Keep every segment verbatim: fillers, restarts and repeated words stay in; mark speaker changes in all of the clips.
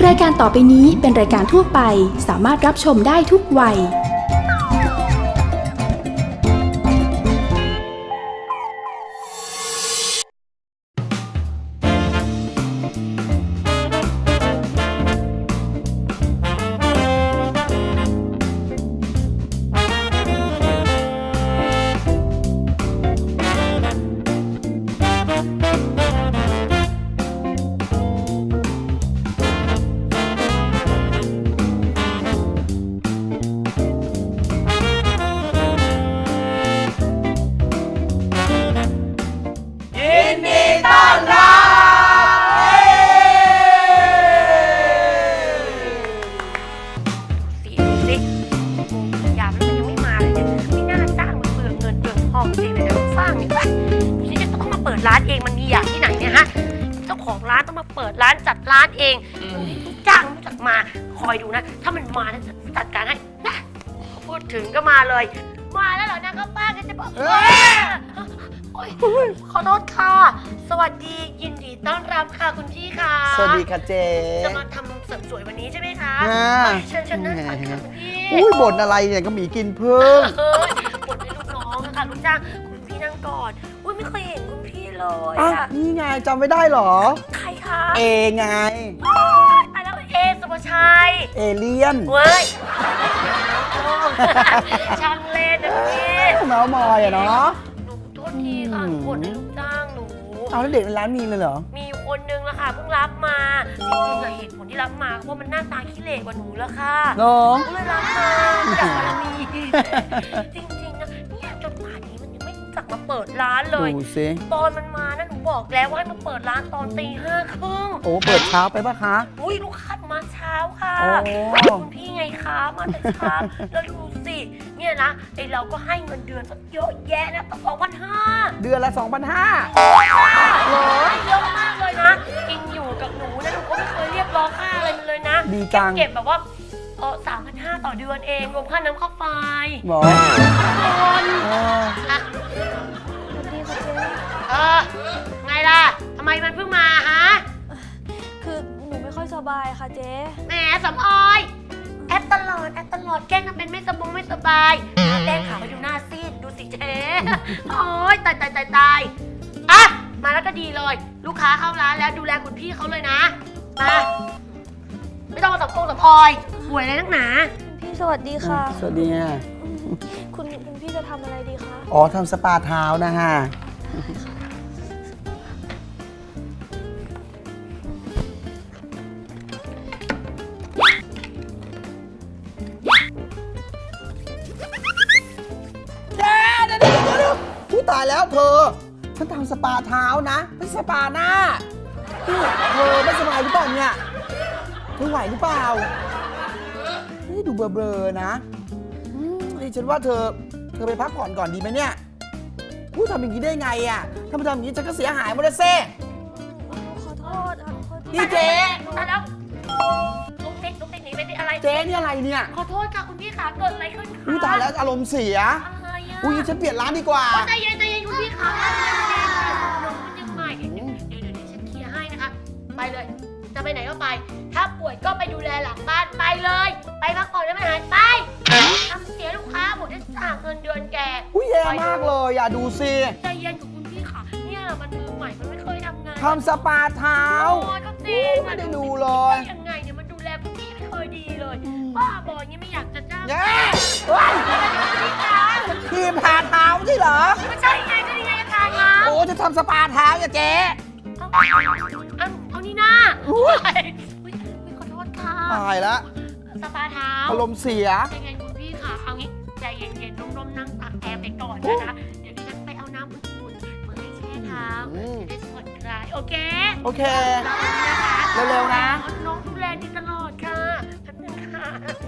Speaker 1: รายการต่อไปนี้เป็นรายการทั่วไปสามารถรับชมได้ทุกวัย
Speaker 2: ร้านเองมันมีอย่างที่ไหนเนี่ยฮะเจ้าของร้านต้องมาเปิดร้านจัดร้านเองจ้างรู้จักมาคอยดูนะถ้ามันมานะจะจัดการให้นะพูดถึงก็มาเลยมาแล้วเหรอนะก็ป้าก็จะบอกโอ๊ยขอโทษค่ะสวัสดียินดีต้อนรับค่ะคุณพี่ค่ะ
Speaker 3: สวัสดีค่ะเจ๊
Speaker 2: จะมาทำเสริมสวยวันนี้ใช่ไหมคะเชิญเชิญนั่งก่อนค่ะคุณพี่
Speaker 3: อุ้ยบ่นอะไรเนี่ยก็หมีกินเพิ่ง
Speaker 2: บ่นให้ลูกน้องนะคะลูกจ้างคุณพี่นั่งก่อนอุ้ยไม่เคยเห็นคุณพี่เลย
Speaker 3: อ่ะนี่ไงจำไม่ได้หรอ
Speaker 2: ใครคะ
Speaker 3: เอไง
Speaker 2: อ่ะแล้วเอสุภชัย
Speaker 3: เอเลียน
Speaker 2: เว้ยช่างเล่นนะพี่
Speaker 3: เมาส์มอยอะเนาะ
Speaker 2: หนูโทษทีค่ะหนูบ่นให้ลูกจ้างหนู
Speaker 3: เอาแล้วเด็กในร้านมีเลยเหรอ
Speaker 2: มีคนนึงละค่ะเพิ่งรับมาจริงๆอะเหตุผลที่รับมาเพราะมันหน้าตาขี้เหร่กว่าหนูละค่ะ
Speaker 3: น้อง
Speaker 2: ก็เลยรับมาจากบารมีจริงๆนะเนี่ยจนป่านนี้มันยังไม่จักมาเปิดร้านเลย
Speaker 3: ดูสิ
Speaker 2: ตอนมันมานะหนูบอกแล้วว่าให้มาเปิดร้านตอนตีห้าครึ่ง
Speaker 3: โอ้เปิดเช้าไปปะคะ
Speaker 2: อุ้ยลูกค้ามาเช้าค่ะคุณพี่ไงคะมาแต่เช้าแล้วดูสิเนี่ยนะไอเราก็ให้เงินเดือนเยอะแยะนะตั้งสองพันห้า
Speaker 3: เดือนละสองพันห้า
Speaker 2: เหรอเยอะมากเลยนะกินอยู่กับหนูนะหนูก็ไม่เคยเรียกร้องค่าอะไรมันเลยนะ
Speaker 3: ดีจัง
Speaker 2: เก็บแบบว่าเออสามพันห้าต่อเดือนเองรวมค่าน้ำค่าไฟ
Speaker 3: หรอ
Speaker 2: คนอ่ะเออไงล่ะทำไมมันเพิ่งมาฮะ
Speaker 4: คือหนูไม่ค่อยสบายค่ะเจ๊
Speaker 2: แหมสำออยแอปตลอดแอปตลอดแกล้งทำเป็นไม่สบงไม่สบายแกล้งขาวไปดูหน้าซีดดูสิเจ๊โอ๊ยตายตายตายตายอ่ะมาแล้วก็ดีเลยลูกค้าเข้าร้านแล้วดูแลคุณพี่เขาเลยนะมาไม่ต้องมาสับโกงสับออยป่วยอะไรนักหนา
Speaker 4: คุณพี่สวัสดีค่ะ
Speaker 3: สวัสดีค่ะ
Speaker 4: คุณคุณพี่จะทำอะไรดีคะ
Speaker 3: อ๋อทำสปาเท้านะฮะตายแล้วเธอฉันทำสปาเท้านะไม่สปาหน้าเธอไม่สบายหรือเปล่าเนี่ยเธอไหวหรือเปล่านี่ดูเบลอๆนะดิฉันว่าเธอเธอไปพักผ่อนก่อนดีไหมเนี่ยพูดทำอย่างนี้ได้ไงอ่ะถ้ามาทำอย่างนี้ฉันก็เสียหายหมดเลยเซ่
Speaker 4: ขอโทษขอโทษ
Speaker 2: นี่เจ๊ตายแล้วลุกติ๊กลุกติ๊กหนีไปดิอะไร
Speaker 3: เจ๊นี่อะไรเนี่ย
Speaker 2: ขอโทษค่ะคุณพี่ขาเกิดอะไรขึ้นคะ
Speaker 3: อุ้ยตายแล้วอารมณ์เสียอุ้ยฉันเปลี่ยนร้านดีกว่า
Speaker 2: ใจเย็นใจเย็นคุณพี่ขาใจเย็นใจเย็นน้องมันยังใหม่เดี๋ยวเดี๋ยวเดี๋ยวฉันเคลียร์ให้นะคะไปเลยจะไปไหนก็ไปถ้าป่วยก็ไปดูแลหลังบ้านไปเลยไปพักผ่อนได้ไหมหายไปทำเสียลูกค้าหมดได้จ่ายเงินเดือนแก
Speaker 3: อุ้ยแย่มากเลยอย่าดูสิ
Speaker 2: ใจเย็นกับคุณพี่ขาเนี่ยมันมือใหม่มันไม่เคยทำงาน
Speaker 3: ทำสปาเท้า
Speaker 2: ก็จริง
Speaker 3: ไม่ได้ดูเลย
Speaker 2: ยังไงเนี่ยมันดูแลคุณพี่ไม่เคยดีเลยบ้าบอยังไม่อยากจะจ้าง
Speaker 3: แย่ทีมทาเท้าใช่เหรอ
Speaker 2: ไม่ใช่ไงก็นี่ไงทาเท้า
Speaker 3: โอ้จะทำสปาเท้าอย่าเจ๊
Speaker 2: เอาเอานี่นะอุ้ยขอโทษค่ะ
Speaker 3: ตายแล้ว
Speaker 2: สปาเท้า
Speaker 3: อารมณ์เสีย
Speaker 2: ใจเย็นคุณพี่ค่ะเอางี้ใจเย็นๆร่มๆนั่งตากแอร์ไปก่อนนะคะเดี๋ยวดิฉันไปเอาน้ำอุ่นๆมาให้แช่เท้าจะได้ผ่อนคลายโอเค
Speaker 3: โอเคเร็วๆนะ
Speaker 2: น้องดูแลดีตลอดค่ะแป๊บนึงค่ะ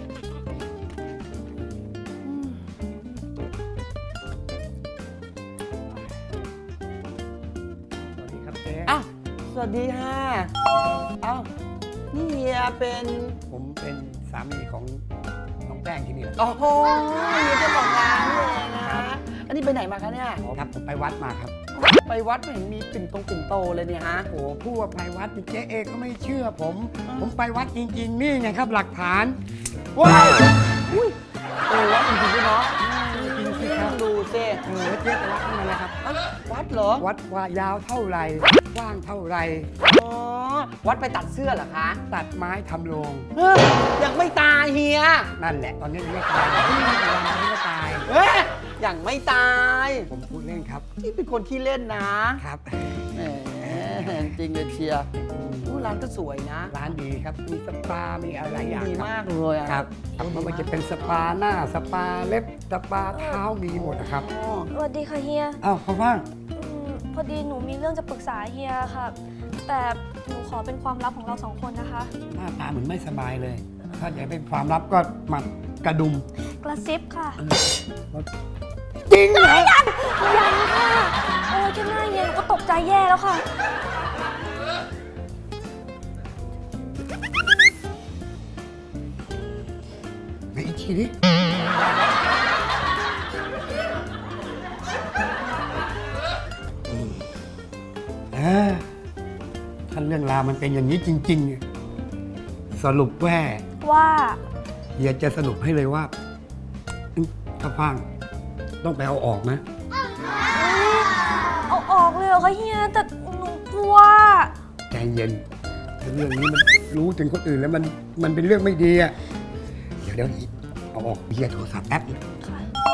Speaker 3: อ้าวสวัสดีค่ะอ้าวนี่เฮียเป็น
Speaker 5: ผมเป็นสามีของน้องแป้งที่นี่แหละ
Speaker 3: โอ้โหเฮียเจ้าของร้านนี่เองนะอันนี้ไปไหนมาคะเนี่ย
Speaker 5: ครับผมไปวัดมาครับ
Speaker 3: ไปวัดไม่เห็นมีปิ่นตรงปิ่นโตเลยเนี่ยฮะ
Speaker 5: โอ้พูดว่าไปวัดเจ๊เอก็ไม่เชื่อผม ผมไปวัดจริง ๆ นี่ไงครับหลักฐาน
Speaker 3: ว้าวอุ้ยเออวัดจริงๆด้วยเนาะ
Speaker 5: จริงสิค
Speaker 3: ต้
Speaker 5: รั
Speaker 3: อบ งดูสิ
Speaker 5: เออแล้วเจ๊ไปวัดนั่นแหละครับ
Speaker 3: เอ้าวัดเหรอ
Speaker 5: วัดว่ายาวเท่าไหร่กว้างเท่าไหร่
Speaker 3: อ๋อวัดไปตัดเสื้อเหรอคะ
Speaker 5: ตัดไม้ทำโรง
Speaker 3: เฮ้ยยังไม่ตายเฮีย
Speaker 5: นั่นแหละ ตอนนี้ยังไม่ตายวันนี้ก็ตาย
Speaker 3: เฮ้ยยังไม่ตาย
Speaker 5: ผมพูดเล่นครับ
Speaker 3: ที่เป็นคนขี้เล่นนะครับ แหมจริงเลยเชียร์อู้ร้านก็สวยนะ
Speaker 5: ร้านดีครับ มีสปา มีอะไรหลายอย่าง
Speaker 3: ดี
Speaker 5: ครับ
Speaker 3: มากเลยอะ
Speaker 5: ครับไม่ว่าจะเป็นสปาหน้า สปาเล็บ สปาเท้ามีหมดนะครับ
Speaker 3: อ๋อ
Speaker 4: สวัสดีค่ะเฮีย
Speaker 5: อ้าวพ่อว่าง
Speaker 4: อืมพอดีหนูมีเรื่องจะปรึกษาเฮียค่ะ แต่หนูขอเป็นความลับของเราสองคนนะคะ
Speaker 5: หน้าตาเหมือนไม่สบายเลย ถ้าอยากเป็นความลับก็มากระดุม
Speaker 4: กระซิบค่ะ
Speaker 5: จริงเหรอ
Speaker 4: ยังค่ะโอ้ยแค่หน้าเฮียหนูก็ตกใจแย่แล้วค่ะ
Speaker 5: ไหนอีกทีดิอืมเออถ้าเรื่องราวมันเป็นอย่างนี้จริงๆเนี่ยสรุปว่า
Speaker 4: ว่า
Speaker 5: เฮียจะสรุปให้เลยว่าอืมถ้าฟังต้องไปเอาออกนะ
Speaker 4: เอาออกเลยเหรอคะเฮีย แต่หนูกลัว
Speaker 5: ใจเย็นถ้าเรื่องนี้มันรู้ถึงคนอื่นแล้วมันมันเป็นเรื่องไม่ดีอ่ะเดี๋ยวเดี๋ยวเอาออกเฮียโทรศัพท์แป๊บนึง
Speaker 4: ค่ะ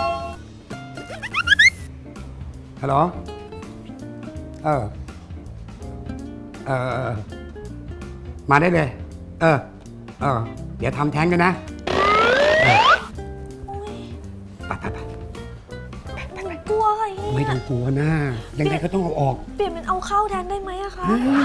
Speaker 5: ฮัลโหลเออเออเออมาได้เลย เออเออเดี๋ยวทำแท้งกันนะเออ
Speaker 4: โอ้ย
Speaker 5: ไปไปไป
Speaker 4: หนูกลัวค่ะเฮีย
Speaker 5: ไม่ต้องกลัวนะยังไงก็ต้องเอาออก
Speaker 4: เปลี่ยนเป็นเอาเข้าแทนได้ไหมอะคะ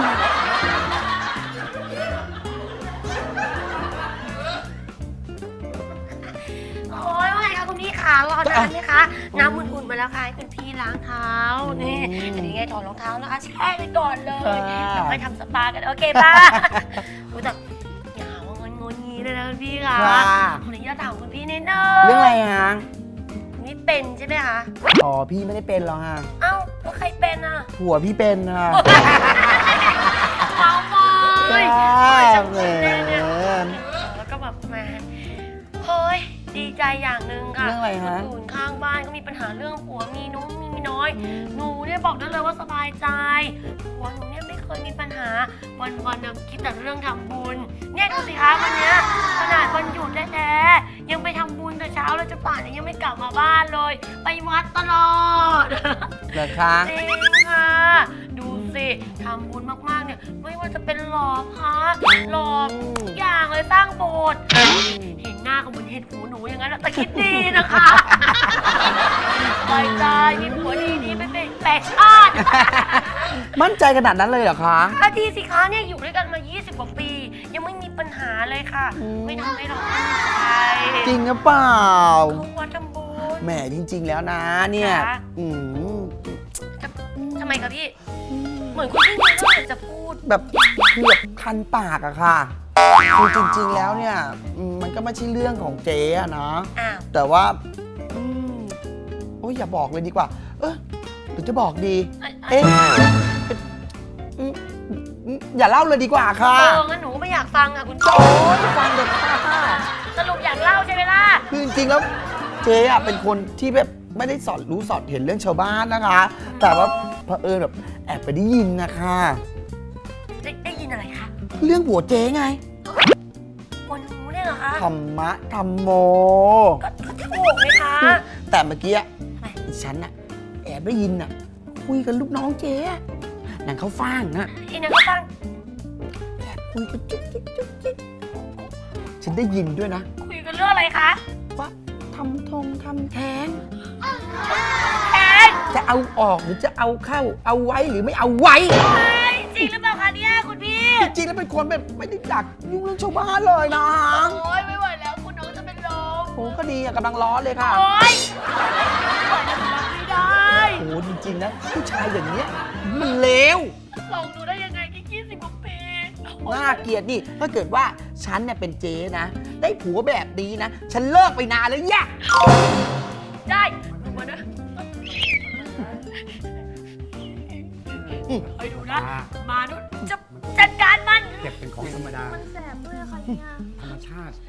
Speaker 2: โอ้ยว่าไงคะคุณพี่ขารอนานไหมคะ น้ำอุ่นๆมาแล้วค่ะให้คุณพี่ล้างเท้า นี่ อันนี้ไงถอดรองเท้านะคะแช่ไปก่อนเลยแล้วค่อยทำสปากัน โอเคป่ะโอ้ยแต่อย่าหาว่างอนงนงี้เลยนะคุณพี่ค่ะ
Speaker 3: ค่ะ
Speaker 2: ขออนุญาตถามคุณพี่นิดนึง
Speaker 3: เรื่องอะไรฮะ
Speaker 2: นี่เป็นใช่ไหมคะ
Speaker 3: อ๋อพี่ไม่ได้เป็นหรอกฮะ
Speaker 2: เอ้าแล้วใครเป็นอ่ะ
Speaker 3: ผัวพี่เป็นฮะ
Speaker 2: เมาบอย
Speaker 3: ใช่
Speaker 2: จัง
Speaker 3: แห
Speaker 2: เล
Speaker 3: ม
Speaker 2: ยเนี่ยแล้วก็แบบมาเฮ้ยดีใจอย่างหนึ่งค่ะ
Speaker 3: เรื่องอะไรฮะ
Speaker 2: คนอื่นข้างบ้านก็มีปัญหาเรื่องผัวมีน้องมีมีน้อย หนูเนี่ยบอกได้เลยว่าสบายใจผัวหนูเนี่ยไม่เคยมีปัญหา วันวันๆเนี่ยคิดแต่เรื่องทำบุญ เนี่ยดูสิคะวันเนี้ยขนาดวันหยุดแท้ๆยังไปทำบุญแต่เช้าแล้วจะป่านนี้ยังไม่กลับมาบ้านเลย ไปวัดตลอด
Speaker 3: เหรอคะ
Speaker 2: จริงค่ะ ดูสิทำบุญมากๆเนี่ยไม่ว่าจะเป็นหล่อพระหล่อทุกอย่างเลยสร้างโบสถ์เห็นหน้าก็เหมือนเห็นหูหนูอย่างนั้นอะแต่คิดดีนะคะสบายใจมีผัวดีนี่ไม่เป็นแปลกชาติ
Speaker 3: มั่นใจขนาดนั้นเลยเหรอคะ
Speaker 2: อาดีสิคะเนี่ยอยู่ด้วยกันมา ยี่สิบ กว่าปี ยังไม่มีปัญหาเลยค่ะ ไม่ทำให้เราตั้งใจ
Speaker 3: จริงหรือเปล่า
Speaker 2: เขาวัดทำบุญ
Speaker 3: แหมจริง ๆ แล้วนะเนี่ย
Speaker 2: คะ
Speaker 3: อืม
Speaker 2: ทำไมคะพี่ เหมือนคุณพี่มีเรื่องอยากจะพูด
Speaker 3: แบบคือแบบคันปากอะค่ะคือจริง ๆ แล้วเนี่ยอืมมันก็ไม่ใช่เรื่องของเจ๊อะนะ
Speaker 2: อ้าว
Speaker 3: แต่ว่าอืมโอ้ยอย่าบอกเลยดีกว่า เออหรือจะบอกดี
Speaker 2: เอ้ย
Speaker 3: เอ๊ะเป็นอืมอืมอย่าเล่าเลยดีกว่าค่ะ
Speaker 2: เอองั้นหนูก็ไม่อยากฟังอ่ะคุณ
Speaker 3: โอ้ยฟังเด็กค่ะ
Speaker 2: สรุปอยากเล่าใช่ไหมล่ะ
Speaker 3: คือจริงๆแล้วเจ๊อะเป็นคนที่แบบไม่ได้สอนรู้สอนเห็นเรื่องชาวบ้านนะคะ แต่ว่าเผอิญแบบแอบไปได้ยินนะคะ
Speaker 2: ได้ได้ยินอะไรคะ
Speaker 3: เรื่องผัวเจ๊ไง
Speaker 2: วันหนูเนี่ยเหรอคะ
Speaker 3: ธรรมะธรรมโม
Speaker 2: ก็ก็ถูกไหมคะ
Speaker 3: แต่เมื่อกี้
Speaker 2: ทำไม
Speaker 3: ดิฉันน่ะแอบได้ยินน่ะ คุยกับลูกน้องเจ๊อะนางเขาวฟ่างนะ
Speaker 2: อีนังก็ฟัง
Speaker 3: คุยกันจุ๊กจิ๊กจุ๊กจิ๊กฉันได้ยินด้วยนะ
Speaker 2: คุยกันเรื่องอะไรคะ
Speaker 3: ว่าทำทงทำแท้ง
Speaker 2: แอน
Speaker 3: จะเอาออกหรือจะเอาเข้า เอาไว้หรือไม่เอาไว้
Speaker 2: จริงหรือเปล่าคะเนี่ยคุณพี่
Speaker 3: จริงๆแล้วเป็นคนแบบไม่ได้จักยุ่งเรื่องชาวบ้านเลยนะ
Speaker 2: โอ๊ยไม่ไหวแล้วคุณน้องจะเป็นลม
Speaker 3: โอ้ก็ดีอะกำลังร้อนเลยค่ะ
Speaker 2: โอ๊ยไม่ไหวแล้วรับไม่ได้
Speaker 3: โอ้จริงๆนะผู้ชายอย่างเนี้ยมันเลว
Speaker 2: ลองดูได้ยังไงแค่ยี่สิบกว่าปี
Speaker 3: น่าเกลียดนี่ถ้าเกิดว่าฉันเนี่ยเป็นเจ๊นะ ได้ผัวแบบนี้นะ ฉันเลิกไปนานแล้วแยะ
Speaker 2: ได้ดูมานะคอยดูนะ
Speaker 5: อ่า
Speaker 2: มาดูจะจัดการมัน
Speaker 5: เจ็บเป็นของธรรมดา
Speaker 4: มันแสบด้วยค่ะเฮีย
Speaker 5: ธรรมชาติ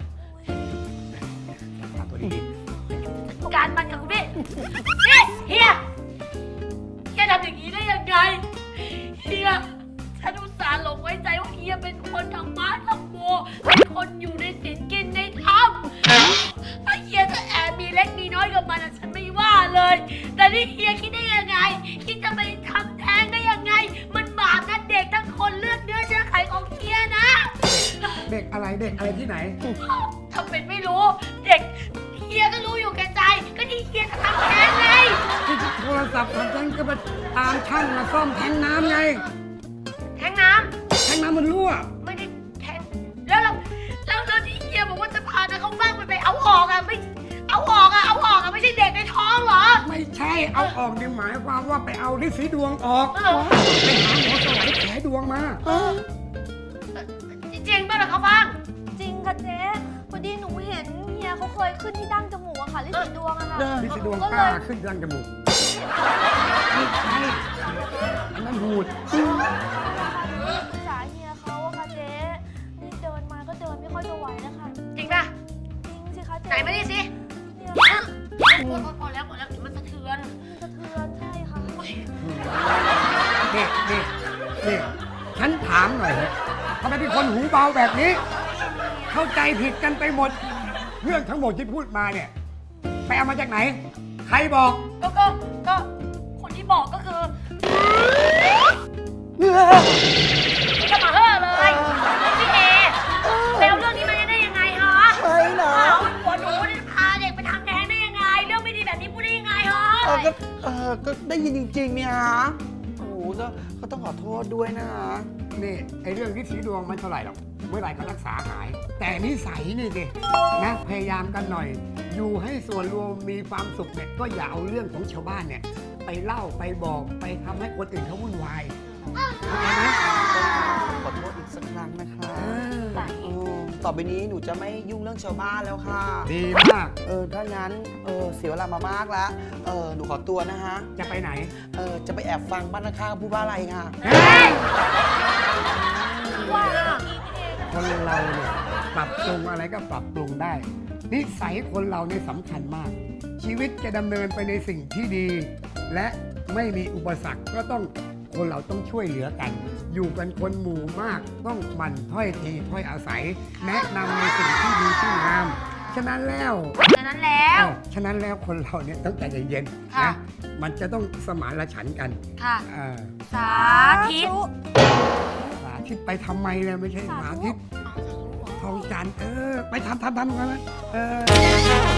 Speaker 5: รักษาตัวดี
Speaker 2: จัดการมันกับคุณพี่นี่เฮียเฮียทำอย่างนี้ได้ยังไงเฮียฉันอุตส่าห์หลงไว้ใจว่าเฮียเป็นคนธรรมะธรรมโมเป็นคนอยู่ในศีลกินในธรรมถ้าเฮียจะแอบมีเล็กมีน้อยกับมันอะฉันไม่ว่าเลย แต่นี่เฮียคิดได้ยังไงคิดจะไปทำแท้งได้ยังไง มันบาปนะเด็กทั้งคนเลือดเนื้อเชื้อไขของเฮียนะ
Speaker 5: ๆเด็กอะไรเด็กอะไรที่ไหน
Speaker 2: ทำเป็นไม่รู้ เด็กเฮียก็รู้อยู่แก่ใจ ก็ที่เฮียจะทำแท้งไง
Speaker 5: ที่โทรศัพท์ทำแท้งก็ไปตามช่างมาซ่อมแท้งน้ำไง
Speaker 2: แท้งน้
Speaker 5: แท้งน้ำมันรั่ว
Speaker 2: ำไม่ได้แท้งแล้วเราแล้วแล้วที่เฮียบอกว่าจะพานะเขาบ้างไปไปเอาออกอะไม่เอาออกอะเอาออกอะไม่ใช่เด็กในท้องเหรอ
Speaker 5: ไม่ใช่เอาออกนี่หมายความว่าไปเอาฤทธิ์สีดวงออก
Speaker 2: เออ
Speaker 5: ไปหาหมอสลายแผลดวงมา
Speaker 2: จริงๆป่ะเหรอเขาบ้าง
Speaker 4: จริงค่ะเจ๊พอดีหนูเห็นเฮียเขาเคยขึ้นที่ดั้งจมูกอะค่ะลิสีดวงอะค่ะ
Speaker 5: ฤทธิ์สีดวง
Speaker 4: ก็
Speaker 5: ก
Speaker 4: เล
Speaker 5: ล้าย ขึ้นดังจมูกไม่ใช่อันนั้นหูด
Speaker 4: ปรึกษาเฮียเขาอะค่ะเจ๊นี่เดินมาก็เดินไม่ค่อยจะไหวนะคะ
Speaker 2: จริงป่ะ
Speaker 4: จริงสิคะเจ๊
Speaker 2: ไหนมาดิสิ
Speaker 4: เนี่ย
Speaker 2: พอพอแล้วพอแล้วเดี๋ยวมันสะเทือน
Speaker 4: มันสะเทือนใช่ค่ะ
Speaker 5: นี่นี่นี่ฉันถามหน่อยเถอะทำไมเป็นคนหูเบาแบบนี้ เข้าใจผิดกันไปหมด เรื่องทั้งหมดที่พูดมาเนี่ย ไปเอามาจากไหน ใครบอก
Speaker 2: ก็ก็ก็คนที่บอกก็คือจะมาเฮ่อเลยพี่เอไปเอาเรื่องนี้มาได้ยังไงฮะ
Speaker 3: ไปนะ
Speaker 2: เอาหัวหนูได้พาเด็กไปทำแท้งได้ยังไง เรื่องไม่ดีแบบนี้พูดได้ยังไงฮะ
Speaker 3: เออก็เออก็ได้ยินจริงๆเนี่ยฮะโอ้โหก็ก็ต้องขอโทษด้วยนะฮะ
Speaker 5: นี่ไอ้เรื่องฤทธิ์สีดวงมันเท่าไหร่หรอกเมื่อไหร่ก็รักษาหาย แต่นิสัยนี่สินะพยายามกันหน่อย อยู่ให้ส่วนรวมมีความสุขเนี่ยก็อย่าเอาเรื่องของชาวบ้านเนี่ย ไปเล่าไปบอกไปทำให้คนอื่นเขาวุ่นวายเข้าใจไหม
Speaker 3: ขอโทษอีกสักครั้งนะคะ
Speaker 5: เออ
Speaker 3: เออต่อไปนี้หนูจะไม่ยุ่งเรื่องชาวบ้านแล้วค่ะ
Speaker 5: ดีมาก
Speaker 3: เออถ้างั้นเออเสียเวลามามากแล้วเออหนูขอตัวนะฮะ
Speaker 5: จะไปไหน
Speaker 3: เออจะไปแอบฟังบ้านข้างๆพูดว่าอะไรค่ะ
Speaker 5: เฮ้ย
Speaker 4: ว่า
Speaker 5: คนเราเนี่ยปรับปรุงอะไรก็ปรับปรุงได้ นิสัยคนเราเนี่ยสำคัญมาก ชีวิตจะดำเนินไปในสิ่งที่ดี และไม่มีอุปสรรคก็ต้องคนเราต้องช่วยเหลือกัน อยู่กันคนหมู่มากต้องหมั่นถ้อยทีถ้อยอาศัย แนะนำในสิ่งที่ดีที่งาม ฉะนั้นแล้ว
Speaker 2: ดังนั้นแล้ว
Speaker 5: เออฉะนั้นแล้วคนเราเนี่ยต้องใจเย็นๆ
Speaker 2: ค่ะ
Speaker 5: นะมันจะต้องสมานฉันท์กัน
Speaker 2: ค่ะ
Speaker 5: เออ
Speaker 2: สาธิต
Speaker 5: สาธิตไปทำไมเลยไม่ใช่สาธิตทองจันทร์เออ ไปทำทำทำกันนะเออ